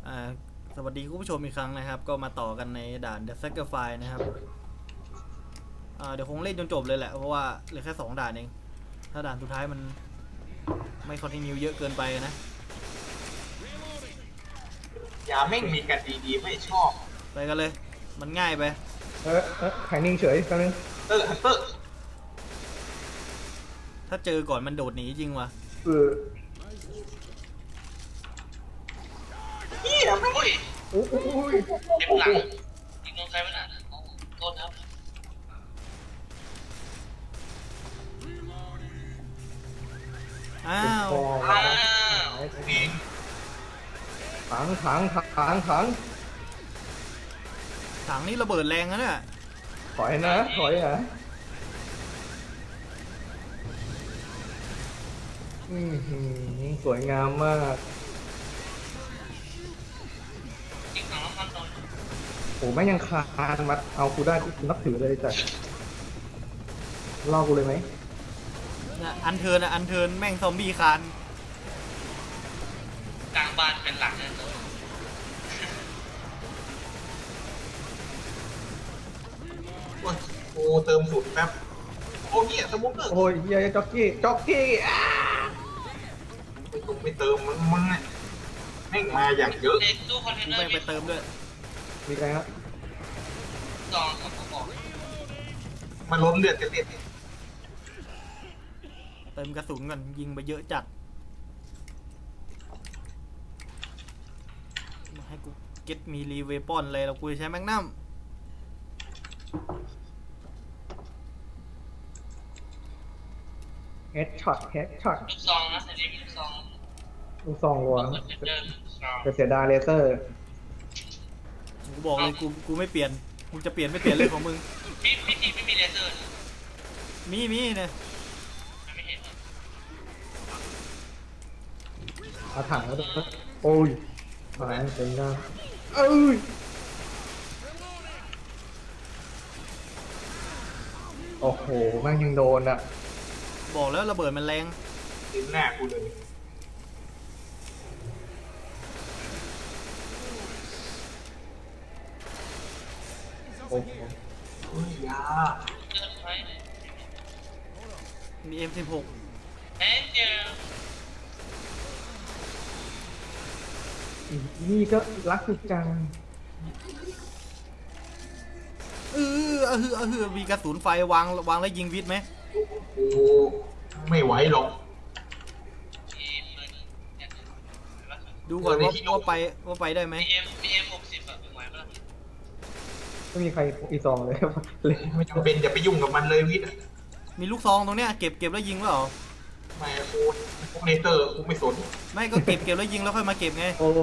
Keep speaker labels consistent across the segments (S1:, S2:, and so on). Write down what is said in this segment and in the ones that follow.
S1: อ่าสวัสดีคุณผู้ชมอีกครั้งนะครับก็มาต่อกันในด่าน The Sacrifice นะครับเดี๋ยวคงเล่นจนจบเลยแหละเพราะว่าเหลือแค่2ด่านเองถ้าด่านสุดท้ายมันไม่คอนติเนียเยอะเกินไปนะ
S2: อย่าแม่งมีกันดีๆไม่ชอบ
S1: ไปกันเลยมันง่ายไป
S3: แข็งนิ่งเฉยแป๊บนึง
S2: ฮันเตอร์
S1: ถ้าเจอก่อนมันโดดหนีจริงวะ
S3: เออ
S2: เฮียไม่
S3: โอ้ย
S4: เจ็บหลังยิงโดนใครไม่ได้โทษครับ
S1: อ้าว
S4: อ้าว
S2: มี
S3: ถัง
S1: ถังนี้ระเบิดแรงนะเนี่ย
S3: ถอยนะสวยงามมาก
S4: ยิงถังน้ำมันโดน
S3: โอ้แม่งยังคานมาเอากูได้กูนับถือเลยจ้ะล่อกูเลยไหม
S1: นะอันเทิร์นอันเทิร์นแม่งซอมบี้คาน
S4: กลางบ้านเป็นหลักเลย
S2: โอ้เติมสุดแป๊บโอ้เฮียสมุกเกอร์
S3: โอ้ยเฮียจ็อกกี้
S2: ไม่เติมมึงเนี่ยแม่งมาอย่างเยอะ
S4: เด็กตู้คอนเทนเนอ
S1: แม่ง
S4: ร์
S1: ไปเติมด้วย
S3: มีใครครับ
S4: ซองกับกระบอก
S2: มันล้นเลือดกันเด็ด
S1: เติมกระสุนก่อนยิงไปเยอะจัดมาให้กูเก็ตมีรีเวปอนเลยเรากูจะใช้แมกนัม
S3: เฮดช็อต
S4: ลูกซองนะแต่เด็กมีลูกซอง
S3: ลูกซองรัว
S4: คอนเทนเนอร์ซอง
S3: จะเสียดายเลเซอร์
S1: กูบอกเลยกูไม่เปลี่ยนมึงจะเปลี่ยนไม่เปลี่ยนเรื่องของมึง
S4: พี่ทีไม่มีเลเซอร์
S1: มีเนี่ย
S4: ไม่เห็น
S3: เอาถังแล้วด้วยโอ้ยมาเต็มหน้าโอ้โหแม่งยังโดนอ่ะ
S1: บอกแล้วระเบิดมันแรง
S2: ทิ้งหน้ากูเลย
S3: โอ้โห
S2: เฮ้ยยา
S4: เจอไหม
S1: มี M16
S4: เฮ้ยเจอ
S3: นี่ก็รักสุดจัง
S1: มีกระสุนไฟวางแล้วยิงวิทย์ไหม
S2: โอ้ไม่ไหวหรอก
S4: ทีมเลย
S1: ดูก่อนว่าไปได้ไหม
S4: มีเอ็ม60อะเป็นไงบ้าง
S3: ไม่มีใครอีซองเลยเลย
S2: ไม่จำเป็นอย่าไปยุ่งกับมันเลยวิทย์
S1: มีลูกซองตรงเนี้ยเก็บแล้วยิงเปล่า
S2: ไม่โคเนเตอร์กูไม่สน
S1: ไม่ก็เก็บแล้วยิงแล้วค่อยมาเก็บไง
S3: โอ้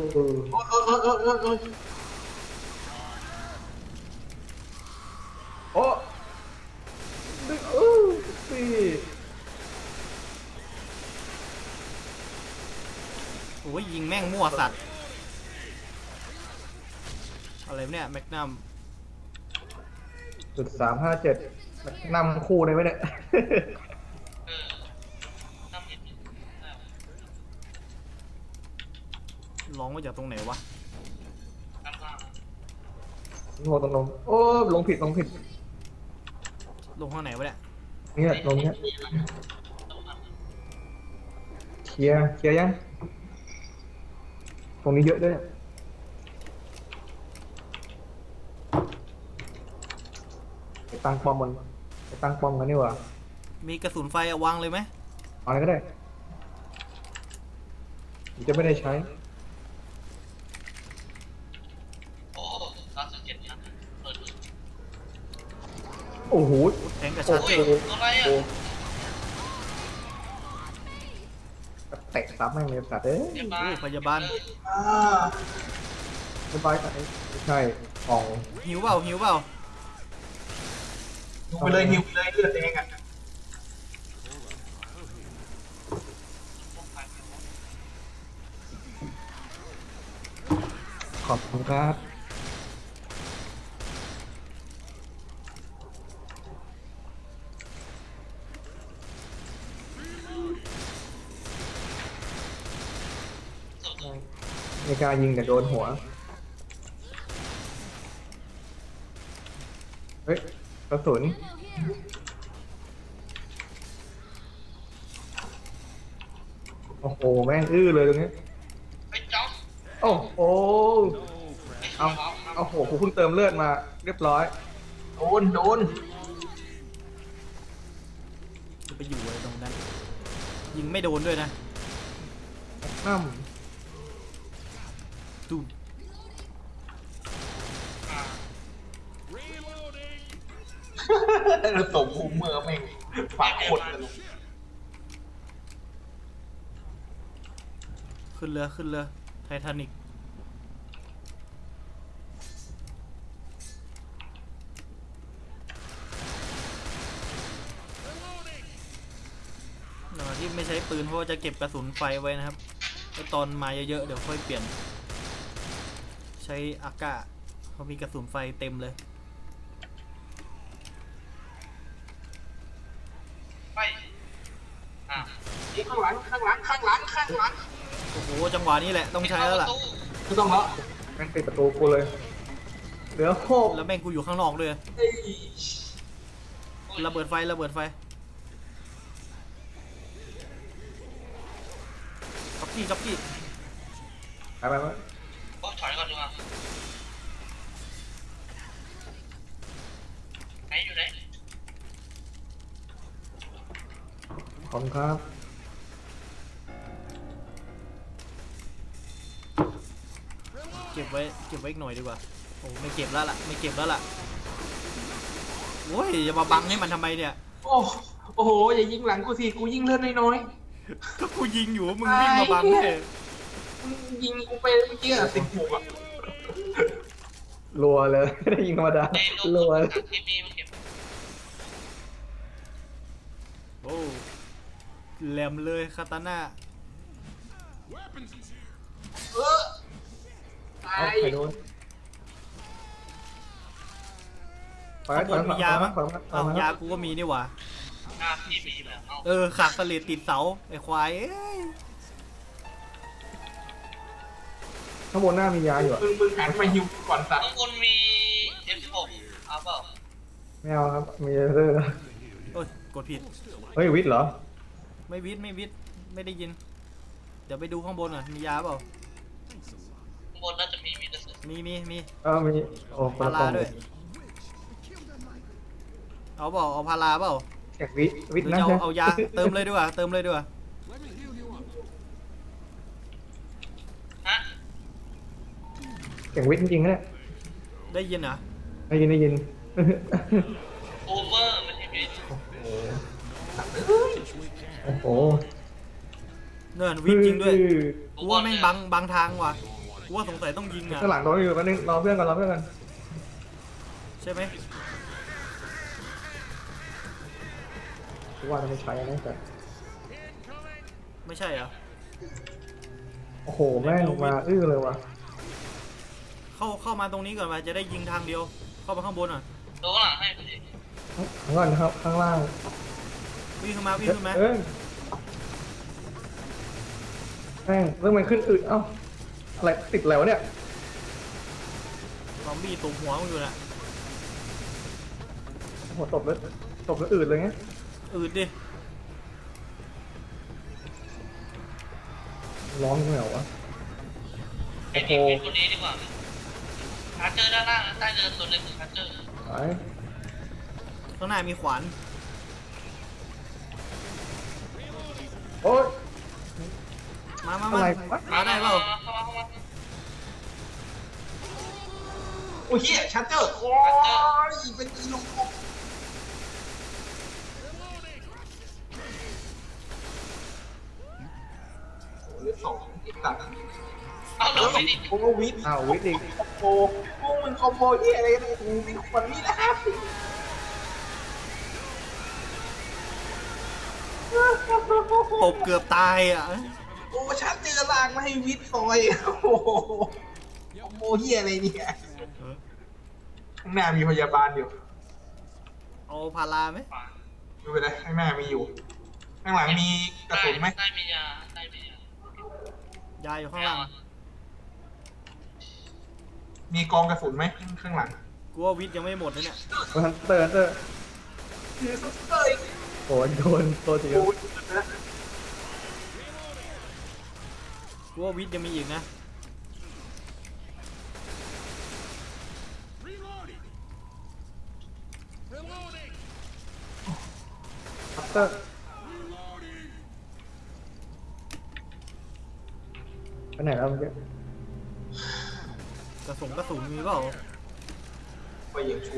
S3: โอ้ดึงสิ
S1: โอ้ยยิงแม่งมั่วสัตว์อะไรเนี่ยแมกนัม
S3: .357นำคู่เลยไหมเนี่ย
S4: ทำนิดนึง
S1: ร้องมาจากตรงไหนวะ
S4: ทำล่าง
S3: งงตรงลงโอ้ลงผิด
S1: ลงข้างไหนวะเนี่ย
S3: เนี่ยลงเนี่ยเคลียร์ยังตรงนี้เยอะด้วยไปตั้งป้อมกันนี่หว่า
S1: มีกระสุนไฟวางเลยไหม
S3: เอาอะไรก็ได้ผมจะไม่ได้ใช้
S4: โอ้37นะเปิด
S3: โอ้โห
S1: แทงกับชาร์เจอร์
S4: อะไรอ่ะ
S3: เตะซับแม่งเลยสัตว์เอ้ย
S4: เรียบร้อย
S1: พยาบาล
S2: อ่า
S3: สบายใจไม่ใช่ของ
S1: หิวเปล่า
S2: หิวไปเลยเลือดแดงอ่ะ
S3: ขอบคุณครับในไม่กล้ายิงแต่โดนหัว เฮ้ยกระสุนโอ้โหแม่งอื้อเลยตรงนี้
S4: ไปจ๊อก
S3: โอ้โหเอาโหกูเพิ่งเติมเลือดมาเรียบร้อย
S2: โดนโดน
S1: จะไปอยู่อะไรตรงนั้น ยิงไม่โดนด้วยนะ
S3: น้
S1: ตูม
S2: สมภูมิเมื่อแม่งฝากขดเลย
S1: ขึ้นเรือขึ้นเรือไททานิกที่ไม่ใช้ปืนเพราะว่าจะเก็บกระสุนไฟไว้นะครับแล้วตอนมาเยอะๆเดี๋ยวค่อยเปลี่ยน ใช้อากาเขามีกระสุนไฟเต็มเลย
S4: ไปอ่ะ
S2: ข้างหลังข้างหลังข้างหลังข้างหลัง
S1: โอ้โหจังหวะนี้แหละต้องใช้แล้วล่ะ
S2: ไม่ต้องแล้ว
S3: ำแม่งปิดประตูกูเลย เหลือโคก
S1: แล้วแม่งกูอยู่ข้างนอกด้วย
S2: เฮ้ย
S1: ระเบิดไฟระเบิดไฟจ็อกกี้จ็อกกี้
S3: ไป
S4: โอ้ถอยก่อนดีกว่าไหนอยู่ไหน
S3: ขอบคุณครับ
S1: เก็บไว้อีกหน่อยดีกว่าโอ้ไม่เก็บแล้วล่ะไม่เก็บแล้วล่ะโอ้ยอย่ามาบังให้มันทำไมเนี่ย
S2: โอ้โหอย่ายิงหลังกูสิกูยิงเลือดน้อย
S1: ก็กูยิงอยู่มึงวิ่งมาบังเลย
S2: ๆมึงยิงกูไปเมื่อกี้อะ16อะ
S3: รัวเลย ไม่ได้ยิงธรรมดา
S4: เอ้ยลง
S3: รัว
S4: ถังเคมีมาเก็บ
S1: โอ้แหลมเลยคาตาน่า
S2: เออตา
S3: เอา
S2: ย
S3: ใครโดนไป
S1: ข้างบนมียามั้ง
S3: ถอย
S1: อ้าว
S3: ม
S1: ยากูก็มีนี่หว่า
S4: หน้าพี่มีแบบเอา
S1: เออขากสลิดติดเสาไอ้ควายเอ้ย
S3: ข้างบนหน้ามียาอยู่อะ
S2: มึงหันมาฮิวก่อนสัตว์
S4: ข้างบนมี F16 เอาเปล่า
S3: ไม่เอาครับ มีเรื่อง
S1: โอ้ยกดผิด
S3: เฮ้ยวิทย์เหรอ
S1: ไม่วิทย์ไม่ได้ยิน เดี๋ยวไปดูข้างบนก่อนมียาเปล่า
S4: ข้างบนน่าจะมีกระสุน
S1: มี
S3: มี โอ้ค
S1: พาน
S3: ละ
S1: ราก
S3: ล่อง
S1: ด้วย เอาเปล่าเอาพาราเปล่า
S3: แจกวิทย์
S1: หรือ
S3: นะ
S1: จะ
S3: ใช่
S1: เอายาเติมเลยดีกว่าเติมเลยดีกว่า
S4: ฮะ
S3: แจกวิทย์จริงๆนะเนี่ย
S1: ได้ยินเหรอ
S3: ได้ยิน
S4: โอเวอร์มันมี
S3: โอ้โห
S1: เนินวิทย์จริงด้วยกูว่าแม่งบังทางว่ะกูว่าสงสัยต้องยิงอ่ะ
S3: ข้างหลังโดนอยู่แป๊บนึงรอเพื่อนก่อน
S1: ใช่ไหม
S3: กูว่าจะไม่ใช้นะแต่
S1: ไม่ใช่เหรอ
S3: โอ้โหแม่งมาเลยว่ะ
S1: เข้ามาตรงนี้ก่อนมาจะได้ยิงทางเดียว เข้ามาข้างบนอ่ะ
S4: ตัวข้างหลังให้พอดี
S3: ข้างล่างนะครับข้างล่าง
S1: วิ่งขึ้นมาวิ่งขึ้นมา
S3: เอ้ยแม่งเรื่องมันขึ้นอืดเอ้าอะไรติดแล้วะเนี่ย
S1: ซอมบี้ตบหัวมึงอยู่น่ะ
S3: โอ้โหตบแล้วอืดเลยไง
S1: อืดดิ
S3: ร้องไม่เหรอวะ
S4: ไอ้นี่เป็นตัวนี้ดีกว่าชาร์เจอร์ด้านล่างนะใต้เดินตัวหนึงคือชาร์เจอร์
S3: ไป
S1: ข้างหน้ามีขวาน
S3: โอ๊ย
S1: มา
S3: อะไรวะ
S1: มาได้เปล่า
S4: เข้ามา
S2: โอ้ยเฮียชัตเตอร์โอ้ยเป็นอีลูกกบเหลือ2อีกตัด
S4: เอาเหลือไปดิ
S2: โอ้วิทย์
S3: อ้าววิทย์อีก
S2: คอมโบพวกมึงคอมโบเฮียอะไรกันเนี่ยกูไม่ควรนี่นะ
S1: ตบเกือบตายอ่ะ
S2: โอ้ชัตเตอร์ลากมาให้วิทย์ซอยโอ้โหคอมโบเฮียอะไรเนี่ยข้างหน้ามีพยาบาลอยู่
S1: เอาพาราไหม
S2: ดูไปเลยข้างหน้ามีอยู่ ข้างหลังมีกระสุนไหม
S4: ใต้มียาใต้มียาย
S1: าอยู่ข้างล่าง
S2: มีกองกระสุนไหมข้างหลัง
S1: กูว่าวิทย์ยังไม่หมดนะเนี่ย
S3: ฮันเตอร์ โอ้ยโดนตัวจริง
S2: โอ้ย
S1: กูว่าวิทย์ยังมีอีกนะ
S3: ฮันเตอร์ไปไหนแล้วเมื่อกี้
S1: กระสุนมีเปล่า
S2: ไปอย่างชู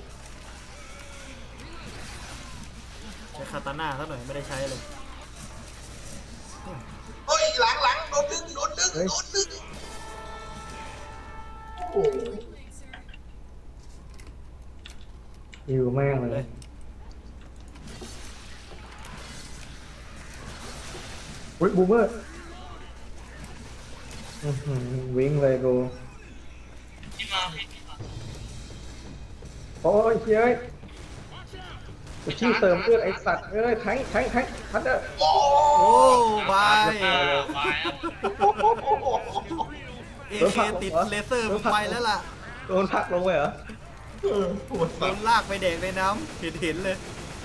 S1: ใช้คาตาน่าสักหน่อยไม่ได้ใช้เลย
S2: เฮ้ยหลังโดนดึงโอ้โห
S3: อยู่แม่งเลยอุ้ยบูมเมอร์วิ่งเลยกู
S4: พี่มาพี่มา
S3: โอ้ยเฮ้ยกูชี้เติมเลือดไอ้สัตว์เอ้ยแทงฮันเตอร์
S2: โอ้
S1: โอ้บาย
S4: บายครับ
S1: เอเคติดเลเซอร์มึงไปแล้วล่ะ
S3: โดนพักลงไปเหรอ
S2: ปวด
S1: โด
S2: สัต
S1: น
S2: ว์
S1: ลากไปแดกในน้ำเห็นเลย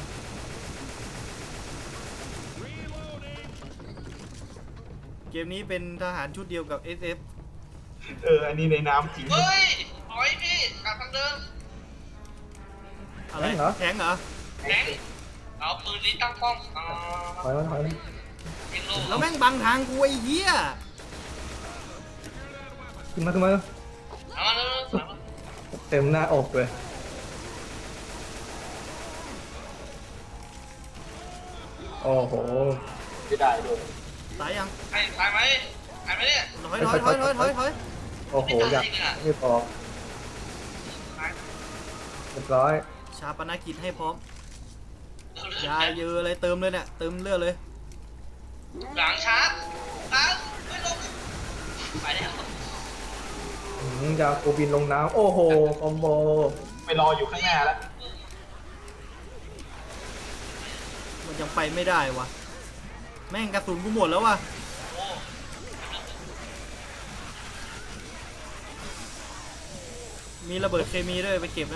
S1: เกมนี้เป็นทหารชุดเดียวกับ SF
S2: อันนี้ในน้ำจริง
S4: เฮ้ยถอยพี่กลับทางเดิม
S1: อะไรแทงเหรอ
S4: แทงเอาปืนนี้ตั้งป้อม
S3: ถอยมา
S4: ยิงโล
S1: แล้วแม่งบังทางกูไอ้เหี้ย
S3: ขึ้นมา
S4: เอามาเลย
S3: เต็มหน้าอกเลยโอ้โห
S2: ไม่ได้ด้วย
S1: ตายยัง
S4: ตายไหมเนี่ย
S1: ถอย
S3: โอ้โหอยากไม่พอเรียบร้อย
S1: ชาปนกิจให้พร้อม ยาเยอะเลยเติมเลยเนี่ยเติมเลือดเลย
S4: หลังชาร์จตั้งไม่ลงไปแล้ว
S3: จะกูบินลงน้ำโอ้โหคอมโบ
S2: ไปรออยู่ข้างหน้าแล้ว
S1: มันยังไปไม่ได้วะแม่งกระสุนกูหมดแล้ววะ
S4: โอ้
S1: มีระเบิดเคมีด้วยไปเก็บนะ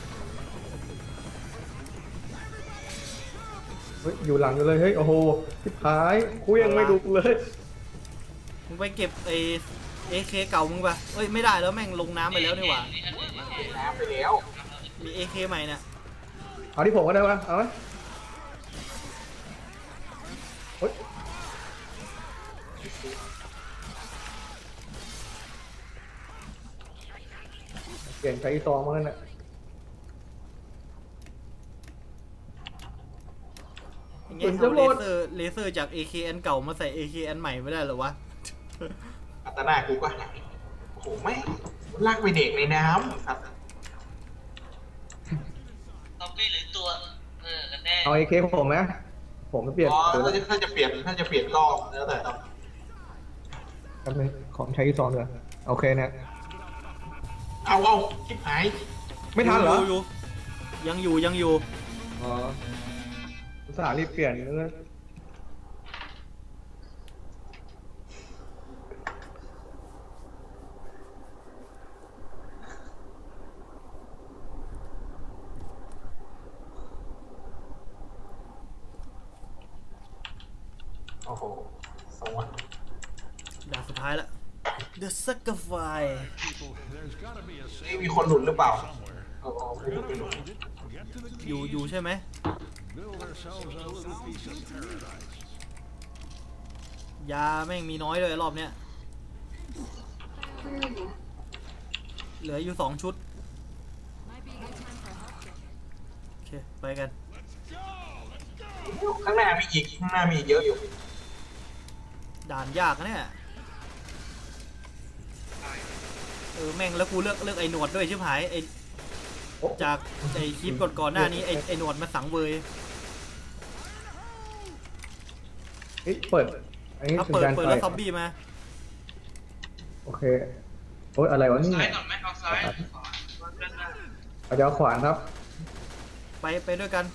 S3: เฮ้ยอยู่หลังอยู่เลยเฮ้ยโอ้โหทิพายกูยังไม่ดูเลย
S1: มึงไปเก็บไอAK เก่ามึงปะเอ้ยไม่ได้แล้วแม่งลงน้ำไปแล้วนี่หว่า
S2: น้ำไปแล้ว
S1: มี AK ใหม่เนี่ย
S3: เอาที่ผมก็ได้ปะเอาไหมเฮ้ยเปลี่ยนใช้ซองมาแล้วเนี่ย
S1: อย่างเงี้ยเอาเลเซอร์จาก AK อันเก่ามาใส่ AK อันใหม่ไม่ได้เหรอวะ
S2: อัตนากูก็หายโอ้โหไม่ลากไปเด็กในน้ำครับ
S4: ซอมบี้หรือตัวกันแน่
S3: เอาไอ้เคผมไหมผมไม่เปลี่ยน
S2: อ๋อ
S3: ตัว
S2: ถ้าจะเปลี่ยนก็แล้วแต่ต้อง
S3: แป๊บนึงของใช้ซองด้วยโอเคเนี่ย
S2: เอาชิบหาย
S3: ไม่ทันเหรอ
S1: ยู่ยังอยู่
S3: อ๋ออุตส่าห์รีบเปลี่ยนเลย
S2: โอ้โหสวรรค์
S1: ด่านสุดท้ายละ The Sacrifice
S2: นี่มีคนหลุดหรือเปล่าไม่หลุด
S1: อยู่ใช่ไหมยาแม่งมีน้อยเลยรอบเนี้ยเหลืออยู่2 ชุด โอเค ไปกัน
S2: ข้างหน้ามีอีกเยอะอยู่
S1: ด่านยากนะเนี่ยแม่งแล้วกูเลือกไอ้หนวดด้วยชิบหายไอ้จากไอ้คลิปก่อนหน้านี้ไอ้หนวดมาสังเวย
S3: เฮ้ยเปิดอันนี้
S1: ถ้า
S3: สัญ
S1: เปิด
S3: ญาณไฟ
S1: แล้วซอมบี้มา
S3: โอเคโอ้ยอะไรวะนี่
S4: ซ้ายก่อนไหมเอาซ้าย
S3: เอาเดี๋ยวขวานครับ
S1: ไปด้วยกัน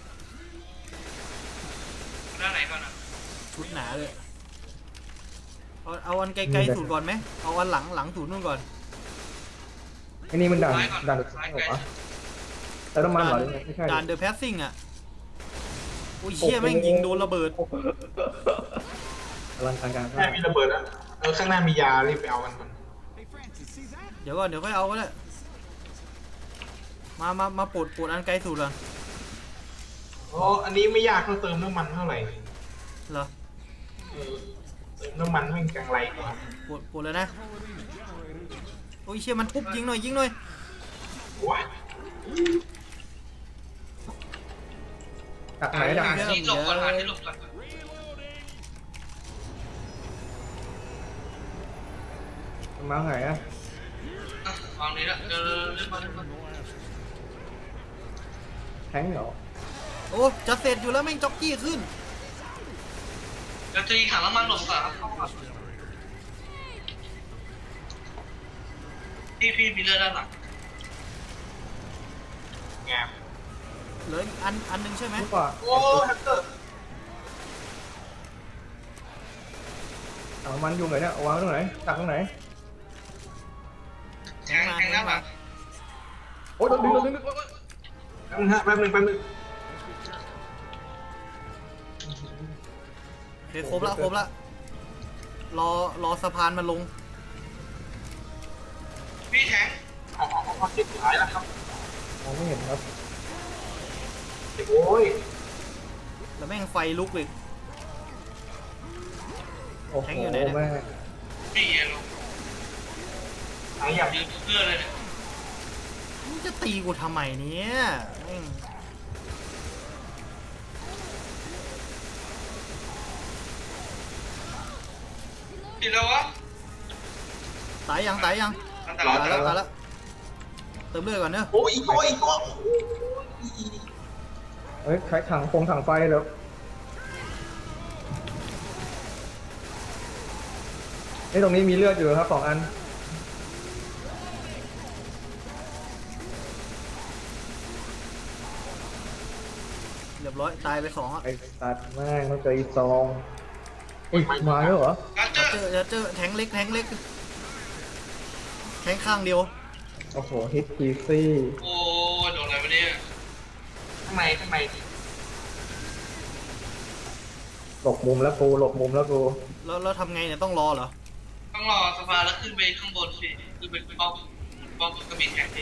S4: ด้านไหนก่อนอ่ะ
S1: ชุดหนาเลยเอาอันไกลๆสูตรก่อนไหมเอาอันหลังสูตรนู่นก่อน
S3: ไอ้นี่มันด่านอีกเหรอวะแต่น้ำมันเหรอไม่ใช่
S1: ด่านเดอะแพสซิ่งอ่ะโอ้ยเชี่ยแม่งยิงโดนระเบิด
S3: อลังการ
S2: แม่มีระเบิดอ่ะข้างหน้ามียารีบไปเอากันก่อน
S1: เดี๋ยวก่อนเดี๋ยวค่อยเอาก็ได้มาปลดอันไกลสุดก่อน
S2: อ๋ออันนี้ไม่ยากเท่าเติมน้ำมันเท่าไหร่
S1: เหรอ
S2: เติมน้ำมันแม่งจังไรกว่า
S1: ปลดเลยนะโอ้ยเชี่ยมันปุ๊บยิงหน่อยยิงหน่อย
S2: ว้า
S3: ดักไหนดัก
S4: หาที่หลบก่อนหาที่หลบก่อน
S3: มาไหนอะ
S4: วางนี้ละเรียบร้อย
S3: แทงเหรอ
S1: โอ้จะเสร็จอยู่แล้วแม่งจ็อกกี้ขึ้น
S4: จะตีถังน้ำมันหลบก่อนครับพี่มีเลือดด้านหลัง
S2: แงบ
S1: เหลืออีกอันหนึงใช่ไหม
S3: รู้ป่ะ
S2: โอ้แฮกเกอร์
S3: ถังมันอยู่ไหนเนี่ยวางตรงไหนตักตรงไหน
S4: แทงหน้าหลัง
S3: โอ้ยโดนดึง
S2: แป๊บนึงฮะแป๊บนึง
S1: โอเคครบละรอสะพานมันลง
S4: พี่แทง
S2: เอาเจ็บสุดท้ายแล้วครับ
S3: มองไม่เห็นครับ
S2: โอ้ย
S1: แล้วแม่งไฟลุกอีก
S3: โอ้โห
S1: แทงอยู่ไหนเนี่ย
S3: แม่
S4: พี่เย็นลง
S2: หายอย่าง
S4: ยืนเพื่อเลยเนี่ย
S1: มึงจะตีกูทำไมเนี่ยแม่ง
S4: ติดแล้ววะ
S1: ตายยัง
S4: อันต
S1: ตาร
S4: าย ย
S1: แล้วเติมเลือดก่อนเนอะ
S2: โอ้ยอีกตัว
S3: เฮ้ยใช้ถังไฟแล้วนี่ตรงนี้มีเลือดอยู่ครับ2 อัน
S1: เรียบร้อยตายไป2อ่ะ
S3: ไอ้สัตว์แม่งต้องเจออีก2อุ้ยมาแล้วเหรอ
S4: การเจอ
S1: เจอแทงเล็กแทงข้างเดียว
S3: โอ้โหฮิตพีซี่
S4: โอ้โดนอะไรวะเนี่ย
S2: ข้างใน
S3: หลบมุมแล้วกู
S1: แล้วทำไงเนี่ยต้องรอเหรอ
S4: ต้องรอสภาแล้วขึ้นไปข้างบนสิคือเป็นป้อมกระบี่แข็งดิ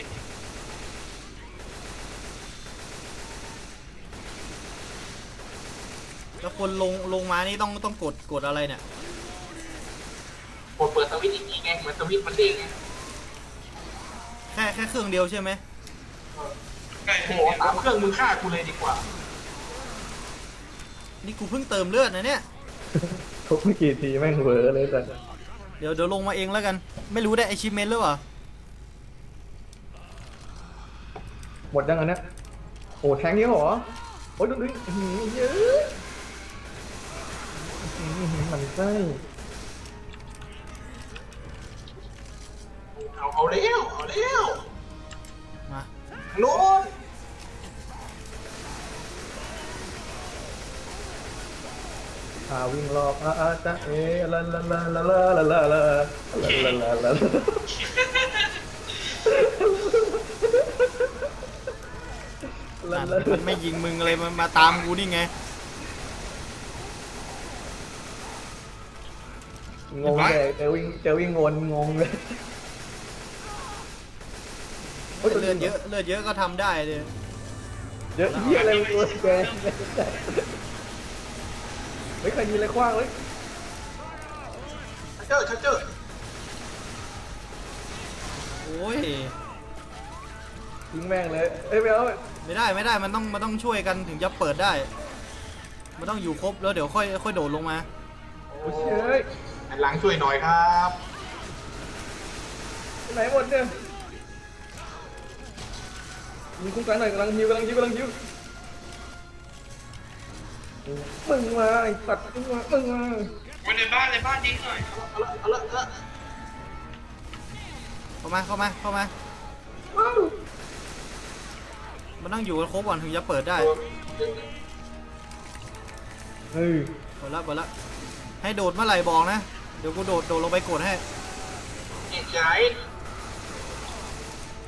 S1: แล้วคนลงมานี่ต้องกดอะไรเนี่ย
S2: กดเปิดสวิตช์อีกทีไงเหมือนสวิตช์มันเด้งไง
S1: แค่เครื่องเดียวใช่ไหม
S4: ใกล้
S2: โอ้
S4: ถึง
S2: โหตามเครื่องมึงฆ่ากูเลยดีกว่า
S1: นี่กูเพิ่งเติมเลือดนะเนี่ย
S3: ทุกไม่กี่ทีแม่งเวอร์เลยแต่
S1: เดี๋ยวลงมาเองแล้วกัน ไม่รู้ได้ไอชิเมนหรือเปล่า
S3: หมดยังอันเนี้ยโอ้แทงนี้เหรอโอ้ยดูดิเยอะมันไส้
S2: เอาเร็ว
S1: มา
S2: โน่น
S3: วิ่งรอบจ๊ะลา
S1: มันไม่ยิงมึงอะไรมันมาตามกูนี่ไง
S3: งงเลยเจอวิ่งวนงงเลย
S1: เลือดเยอะก็ทำได้เลย
S3: เยอะเยี่ยอะไรตัวแกไม่เคยยิงอะไรคว้างเลย
S2: ชัดเจอ
S1: โอ้ย
S3: ยิงแม่งเลยไม่เอา
S1: ไม่ได้มันต้องช่วยกันถึงจะเปิดได้ มันต้องอยู่ครบแล้วเดี๋ยวค่อยโดดลงมา
S3: โอ้ย
S2: หันหลังช่วยหน่อยครับ
S3: ไหนหมดเนี่ยยิงคุ้มกันหน่อยกำลังฮิวมึงมาไอ้สัตว์มึงมา
S4: ไว้ในบ้านยิงหน่อย
S2: เอาละ
S1: เข้ามา
S3: ว้าว
S1: มันต้องอยู่กันครบก่อนถึงจะเปิดได้
S3: เฮ้ย
S1: เปิดละให้โดดเมื่อไหร่บอกนะ เดี๋ยวกูโดดลงไปกดให้
S2: ใหญ่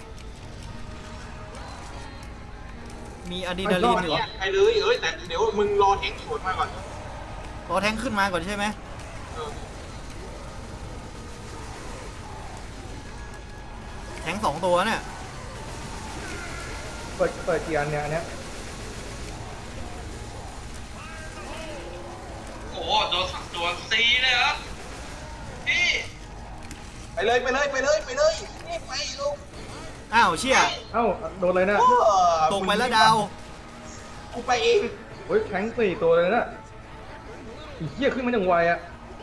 S1: มีอะดรีนาลีนอยู่
S2: ไปเลยแต่เดี๋ยวมึงรอแทงสวนมาก่อน
S1: รอแทงขึ้นมาก่อนใช่ไหม
S2: เออ
S1: แทง2 ตัวเนี่ย
S3: เปิดกี่อันเนี่ยอันเนี้ย
S4: โอ้โหโดนซีเลยครับพี่
S2: ไปเลยนี่ไปลูก
S1: อ้าวเชี่ย
S3: เอ้าโดนเลยนะ
S1: ตกไปแล้วดาว
S2: กูไปเอง
S3: โอ้ยแทง4 ตัวเลยนะอีเหี้ยขึ้นมาอย่างไวอะ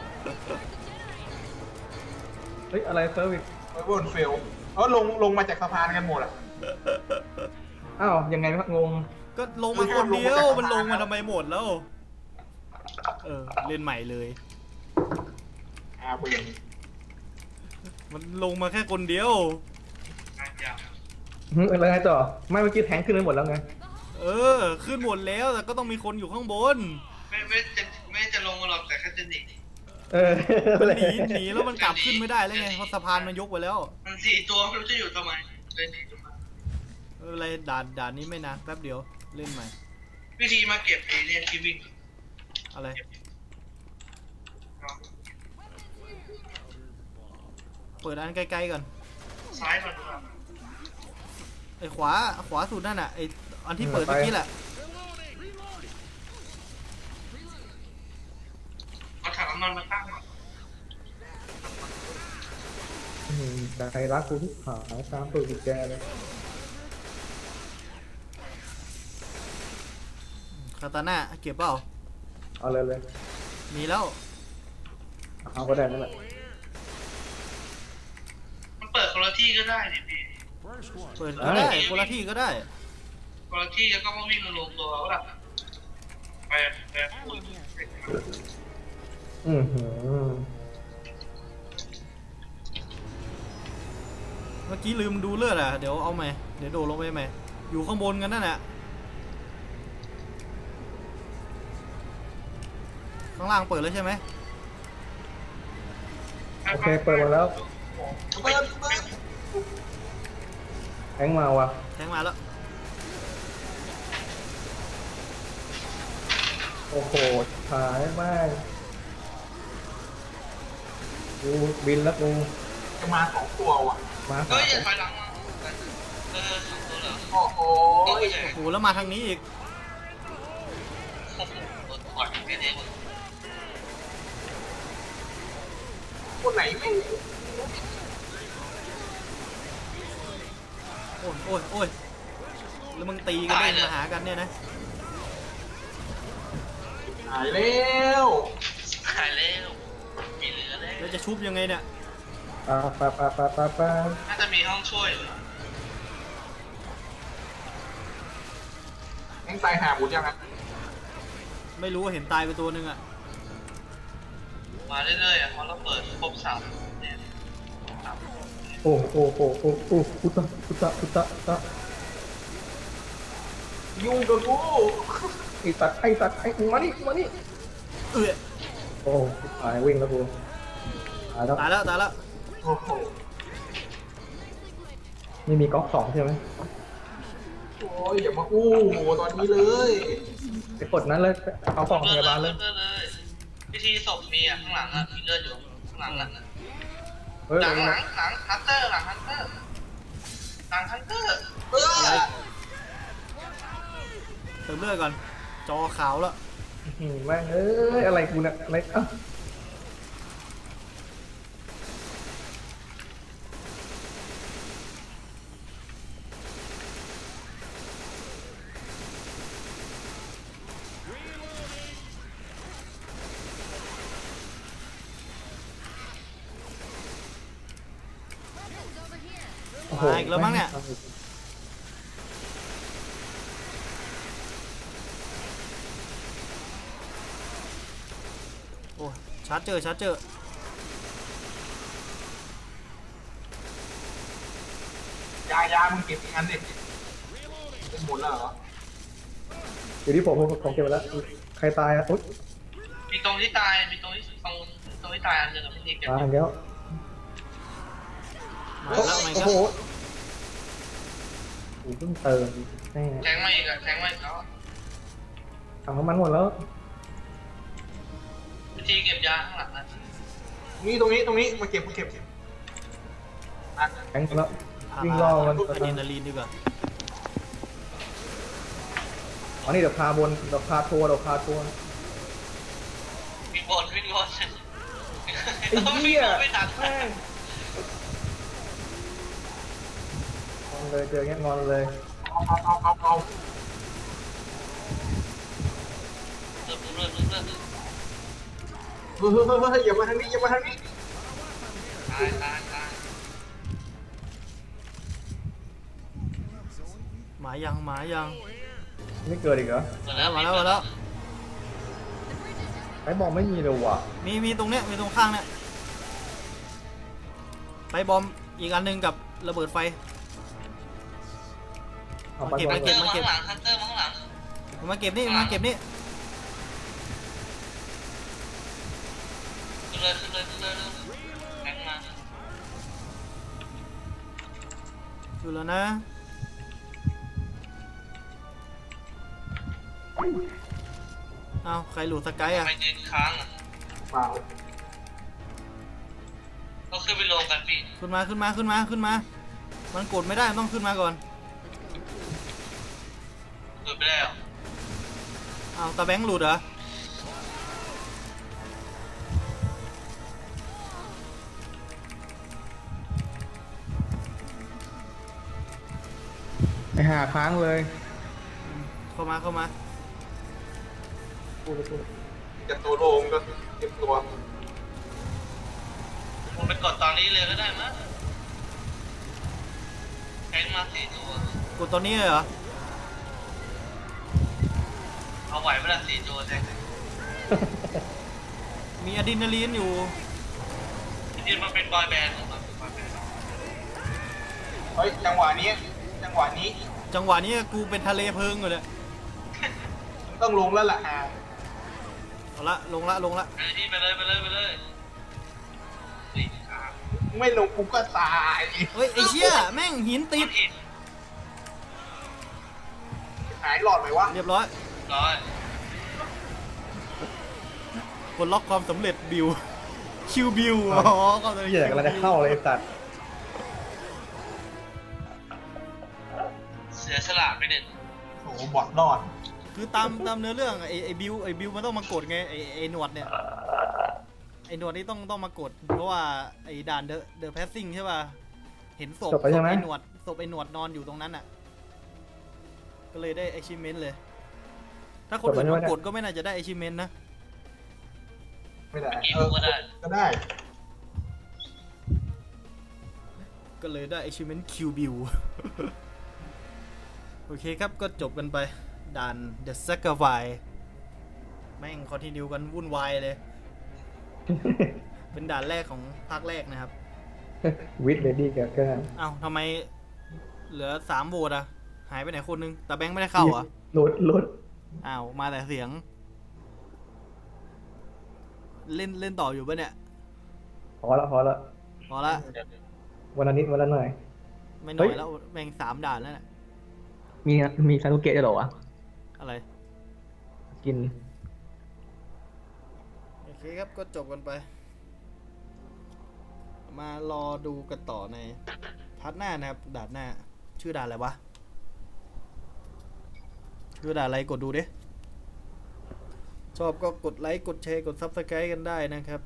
S3: เฮ้ยอะไรเซอร์วิส
S2: ไว้บนเฟลลงมาจากสะพานกันหมดอ่ะ
S3: อ้าวยังไงวะงง
S1: ก็ลงมาคนเดียวมันลงมาทำไมหมดแล้วเล่นใหม่เลย
S2: เบื่อ
S1: มันลงมาแค่คนเดียว
S3: อะไรไงต่อไม่เมื่อกี้แทงขึ้นไปหมดแล้วไง
S1: ขึ้นหมดแล้วแต่ก็ต้องมีคนอยู่ข้างบน
S4: ไม่จะลงมาหรอกแต่แค่จะหนี
S1: มันหนีแล้วมันกลับขึ้นไม่ได้แล้วไงเพราะสะพานมันยกไปแล้ว
S4: มัน4 ตัวไม่รู้จะอยู่ทำไมเลยหนีมา
S1: อะไรด่านนี้ไม่นานแป๊บเดียวเล่นใหม่
S4: วิธีมาเก็บเอเลี่ยนที่วิ่ง
S1: อะไรเปิดอันใกล้ๆก่อน
S4: ซ้ายมันดู
S1: ไอ้ขวาสุดนั่นน่ะไอ้อันที่เปิดเมื่อกี้แหละ
S4: เอาถังน้ำมันมาตั้งก่อน
S3: ใจรักกูที่หายตามตัวกุญแจเลย
S1: คาตาน่าเก็บเปล่า
S3: เอาเลย
S1: มีแล้ว
S3: เอาก็ได้นั่นแหละ
S4: มันเปิดคนละที่ก็ได้นี่พี่
S1: เปิดก็ได้คนละที่ก็ได้
S4: คนละที่แล้วก็มาวิ่งมาลงตัวแล้วล่ะไปพูด
S3: หือ
S1: เมื่อกี้ลืมดูเลือดอ่ะเดี๋ยวเอาใหม่เดี๋ยวโดดลงไปใหม่อยู่ข้างบนกันนั่นแหละข้างล่างเปิดแล้วใช่ไหม
S3: โอเคเปิดหมดแล้ว
S2: เปิด
S3: แทงมาว่ะ
S1: แทงมาแล้ว
S3: โอ้โหหายมากกูบินแล้วกู
S2: จะมา2 ตัวว่ะ
S3: มา
S4: เฮ้ยอย่าถอยหลังมา2 ตัวเหรอ
S2: โอ้โห
S1: โอ้โหแล้วมาทางนี้อีก
S4: โอ้โหโดนต่อยแค่นี้
S2: คนไหนไม่
S1: โอ้ยแล้วมึงตีกันเล่นมาหากันเนี่ยนะ
S2: หายแล้ว
S4: หายแล้วมีเหลือแล้ว
S1: แล้วจะชุบยังไงเนี่ย
S3: ปา
S4: น่าจะมีห้องช่วยอยู่
S2: แทงตายหาหมดยังไง
S1: ไม่รู้ว่าเห็นตายไปตัวนึงอ่ะ
S4: มาเรื่อยๆเพราะเราเปิดครบ3เนี่ย
S3: โอ้พุตะ
S2: ยุ่งกับกู
S3: ไอ้สัตว์ไอ้มานี่ โอ้หายวิ่งแล้วกูหายแล้ว
S1: ตายแล้ว
S2: โอ้โห
S3: นี่มีก๊อก2ใช่ไหม
S2: โอ้ยอย่ามาอู้ตอนนี้เลย
S3: ไปกดนั้นเลยเอากล่องพยาบาลเลย
S4: พิธีศพมีอ่ะข้างหลังอ่ะมีเลือดอยู่ข้างหลังอ่ะ
S3: เฮ้ย
S4: หลังฮันเตอร์หลังฮันเตอร์
S1: เติมเลือดก่อนจอขาวแล้ว
S3: แม่งเอ้ยอะไรกูเนี่ยอะไรโอ้โห
S1: มาอีกแล้วมั้งเนี่ย โอ้ชาร์จเจอ
S2: ยามึงเก็บอีกอันดิเป็นหมดแล้วเหรอ
S3: อยู่ที่ผมเก็บไว้แล้วใครตายอ่ะอุ๊ย
S4: มีตรงที่ตายมีตรงที่ตายอันหนึ่งพิธีเก็บ
S3: มาอย่างเดียว
S1: มาแล้ว
S3: โอ้โหกูเพิ่งเติมแน่
S4: แทงมาอีกอะแทงมาอีกแล้ว
S3: ถังน้ำมันหมดแล้ว
S4: วิธีเก็บยาข้างหลังนะ
S2: นี่ตรงนี้มาเก็บอ่ะ
S3: แทงหมดแล้ววิ่งล่อมัน
S1: อะดรีนาลีนดีกว่า
S3: อ๋อนี่เดี๋ยวพาบนเดี๋ยวพาทัวร์
S4: วิ่งบน
S3: ไอ้เหี้ย
S4: ไม่ทัน
S3: แม่งงอนเลยเจอเงี้ยงอนเลย
S2: เอา
S4: เริ่ม
S2: เฮ้ยอย่ามาทางนี้
S4: ตาย
S1: หมายัง
S3: ไม่เกิดอีกเหรอ
S1: มาแล้ว
S3: ไอ้บอกไม่มีเลยว่ะ
S1: มีตรงเนี้ยมีตรงข้างเนี้ยไปบอมอีกอันหนึงกับระเบิดไฟ
S3: เอาไป
S1: เก็บ
S3: บอ
S1: ไว้
S3: ล
S1: เก็บ
S4: ฮันเตอร์มาข้างหลัง
S1: มาเก็บนี่
S4: ขึ้นเลยขึ้นเลย แทงมา
S1: อยู่แล้วนะเอาใครหลุดสกายอ่ะ
S4: ทำไมยืนค้างอ่ะ
S2: เปล่า
S4: ก็ขึ้นไปรวมกันพี่
S1: ขึ้นมามันกดไม่ได้มันต้องขึ้นมาก่อน
S4: เกิดไปแล้ว
S1: เอาตาแบงค์หลุดเหรอ
S3: ไปหาค้างเลย
S1: เข้ามา
S2: จะตัวโลงก็เก็บตัว
S4: ผมไปกดตอนนี้เลยก็ได้มั้ยแทงมา4 ตัว
S1: กดตอนนี้เลยเหรอ
S4: เอาไหวเวลา4 ตัวแทง
S1: มีอะดรีนาลีนอยู่
S4: จริงๆมันเป็นบอยแบนด์ของมัน
S2: เฮ้ยจังหวะนี้
S1: จังหวะนี้กูเป็นทะเลเพลิงอยู่เลย
S2: ต้องลงแล้วล่ะ
S1: เอาละลงละ
S4: ไปเลยสี่ขา
S2: ไม่ลงกูก็ตาย
S1: เฮ้ยไอ้เชี่ยแม่งหินติด
S4: ผิด
S2: หายหลอดไหมวะ
S1: เรียบร้อย
S4: ร้อย
S1: กดล็อกความสำเร็จบิวคิวบิวอ๋อก็เลย
S3: เหี้ยกำลังจะเข้าเลยไอ้สัตว์
S4: เสียสละไปหนึ่ง
S2: โอ้โหบอดรอด
S1: คือตามเนื้อเรื่องไอ้บิวมันต้องมากดไงไอ้หนวดเนี่ยไอ้หนวดนี่ต้องมากดเพราะว่าไอ้ด่านเดอะแพสซิ่งใช่ป่ะเห็นศพไอ้หนวดนอนอยู่ตรงนั้นอ่ะก็เลยได้ achievement เลย ถ้าคนอื่นมากดก็ไม่น่าจะได้ achievement นะ
S2: ไม่ได้
S4: กี่ก็ได้
S2: ก็ได้
S1: ก็เลยได้ achievement Q Bill โอเคครับก็จบกันไปด่าน The Sacrifice แม่งคอนติเนียกันวุ่นวายเลย เป็นด่านแรกของภาคแรกนะครับ
S3: วิทเลดี้กับก็
S1: เอ้าทำไมเหลือ3โหวตอะหายไปไหนคนนึงแต่แบงค์ไม่ได้เข้าเหรอ
S3: ลด
S1: อ้าวมาแต่เสียง เล่นต่ออยู่ปะเนี่ย
S3: พอละ
S1: พอละ
S3: วันละนิดวันละหน่อย
S1: ไม่หน่อยแล้วแม่ง3ด่านแล้วน่ะ
S3: มีซานุเกะด้วยเหรอวะ
S1: อะไร
S3: กิน
S1: โอเคครับก็จบกันไป มารอดูกันต่อในพาร์ทหน้านะครับด่านหน้า ชื่อด่านอะไรวะ ชื่อด่านอะไรกดดูดิ ชอบก็กดไลค์กดแชร์กด Subscribe กันได้นะครับ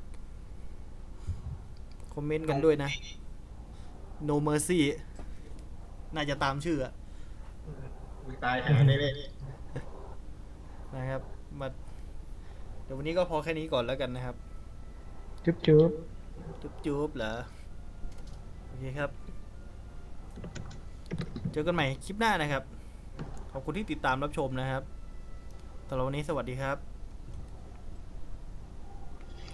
S1: คอมเมนต์กันด้วยนะ No Mercy น่าจะตามชื่ออะ
S2: ตายหาได้เลย
S1: นะครับมาเดี๋ยววันนี้ก็พอแค่นี้ก่อนแล้วกันนะครับ
S3: จุ๊บ
S1: จุ๊บเหรอ โอเคครับ เจอกันใหม่คลิปหน้านะครับ ขอบคุณที่ติดตามรับชมนะครับสำหรับวันนี้สวัสดีครับ